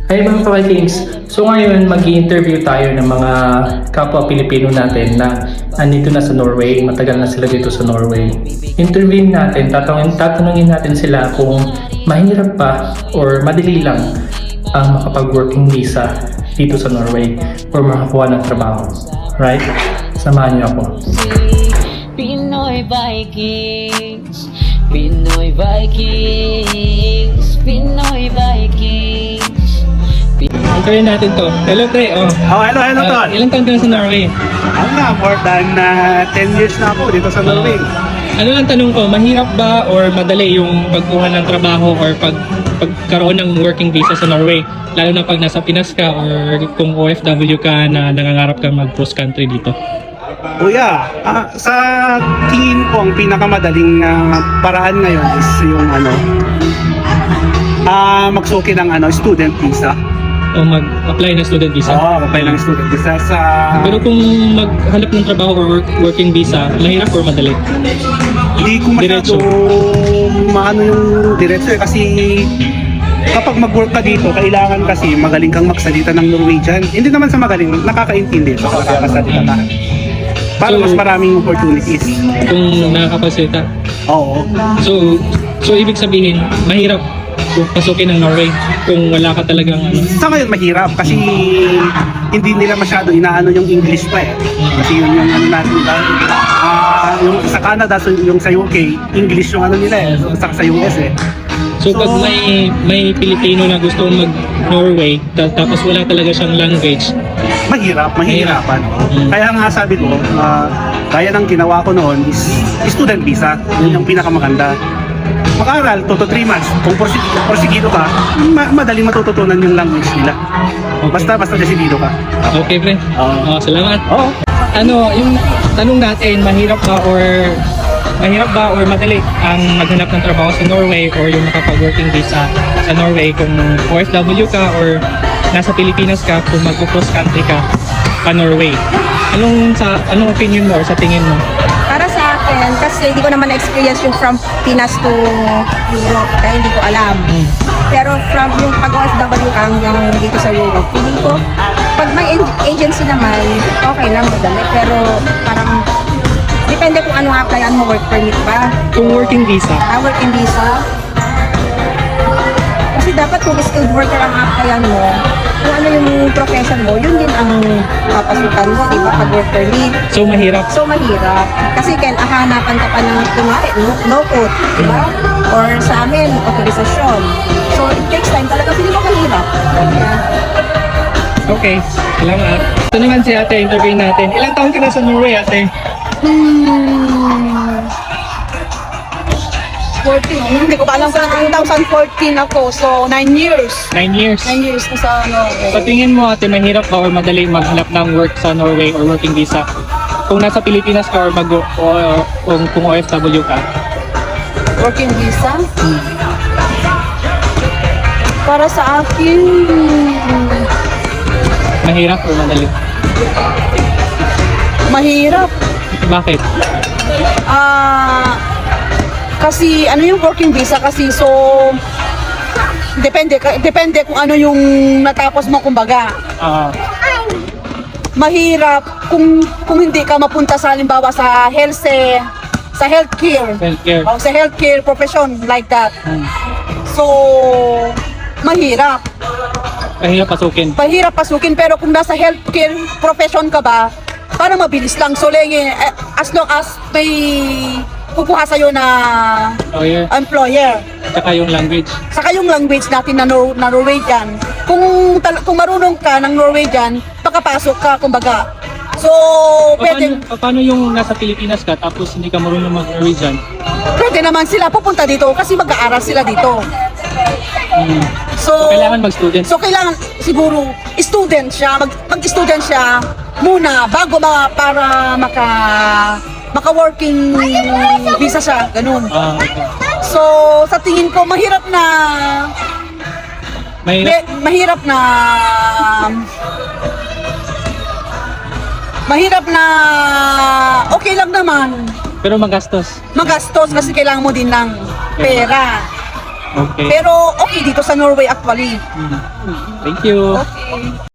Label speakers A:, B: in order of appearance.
A: Hi mga ka-Vikings! So ngayon mag-i-interview tayo ng mga kapwa Pilipino natin na andito na sa Norway, matagal na sila dito sa Norway. Interviewin natin, tatanungin natin sila kung mahirap pa or madali lang ang makapag-working visa dito sa Norway or makakuha ng trabaho. Right? Samahan niyo ako.
B: Pinoy Vikings, Pinoy Vikings, Pinoy Vikings.
A: Antayin natin to. Hello pre,
C: hello tol.
A: Ilang taon ka na sa Norway?
C: Ako nga, more than 10 years na ako dito sa Norway.
A: Ano lang tanong ko, mahirap ba or madali yung pagkuha ng trabaho or pagkaroon ng working visa sa Norway? Lalo na pag nasa Pinas ka or kung OFW ka na nangangarap ka mag-cross country dito.
C: Kuya, sa tingin ko ang pinakamadaling paraan ngayon is yung magsuki ng student visa.
A: O mag-apply ng student visa?
C: Oo, apply ng student visa sa...
A: Pero kung maghanap ng trabaho or working visa, mahirap or madali?
C: Hindi ko masyado maano yung diretso kasi kapag mag-work ka dito, kailangan kasi magaling kang magsalita ng Norwegian. Hindi naman sa magaling, nakakaintindi sa nakakasalita ka. Para mas maraming opportunities.
A: Kung nakakapagsalita?
C: Oo.
A: So ibig sabihin, mahirap pasukin ng Norway kung wala ka talagang
C: Sa ngayon mahirap kasi hindi nila masyado inaano yung English pa eh. Kasi yun yung natin yung sa Canada, so yung sa UK, English yung nila eh. So, sa US eh.
A: So pag may Pilipino na gusto mag-Norway tapos wala talaga siyang language,
C: mahirapan. Kaya nga sabi ko, kaya ng ginawa ko noon is student visa. Yun yung pinakamaganda. Mag-aral, 2 to 3 months. Kung porsigido ka, madaling matututunan yung language nila. Basta desidido ka.
A: Okay, pre. Salamat.
C: Oo.
A: Ano, yung tanong natin, mahirap ba or madali ang maghanap ng trabaho sa Norway or yung makapag-working visa sa Norway kung OFW ka or nasa Pilipinas ka kung mag-cross country ka pa Norway? Anong opinion mo or sa tingin mo?
D: Para sa akin, kasi hindi ko naman na-experience yung from Pinas to Europe, kaya hindi ko alam. Pero from yung pag-OFW ka hanggang dito sa Europe, feeling ko, pag may agency naman, okay lang, madali. Pero parang, depende kung ano applyan mo, work permit ba?
A: Kung working visa?
D: Working visa. Kasi dapat kung skilled worker ang applyan mo, kung ano yung profession mo, yun din ang papasukan mo, di ba, pag work permit.
A: So mahirap?
D: So mahirap. Kasi hahanapan ka pa ng kunwari, no code, di ba? Or sa amin, authorization. So it takes time talaga, hindi mo mahirap.
A: Okay, salamat. Ito naman si ate, interview natin. Ilang taon ka na sa Norway, ate?
D: 14. Hindi ko pa alam kung 2014 ako. So 9 years.
A: 9 years.
D: 9 years na sa Norway.
A: Sa tingin mo ate, mahirap ba or madali maghanap ng work sa Norway or working visa? Kung nasa Pilipinas ka or kung OFW ka?
D: Working visa? Para sa akin,
A: Mahirap or madali?
D: mahirap.
A: Bakit?
D: Kasi ano yung working visa kasi so depende kung ano yung natapos mo kumbaga. Mahirap kung hindi ka mapunta sa halimbawa sa healthcare.
A: Healthcare.
D: O sa healthcare profession like that. So mahirap
A: Mahirap pasukin.
D: pero kung nasa healthcare profession ka ba, parang mabilis lang. So as long as may kukuha sa'yo na employer.
A: Saka yung language.
D: Saka yung language natin na Norwegian. Kung marunong ka ng Norwegian, makapasok ka, kumbaga. So,
A: Paano yung nasa Pilipinas ka tapos hindi ka marunong mag-Norwegian?
D: pwede naman sila pupunta dito kasi mag-aaral sila dito. So,
A: Kailangan mag-student.
D: So, kailangan siguro mag-student siya muna bago para maka-working visa siya, ganun.
A: Okay.
D: So, sa tingin ko, mahirap na okay lang naman.
A: Pero magastos.
D: Magastos kasi kailangan mo din ng pera.
E: Okay.
D: Pero okay dito sa Norway actually.
E: Thank you.
D: Okay.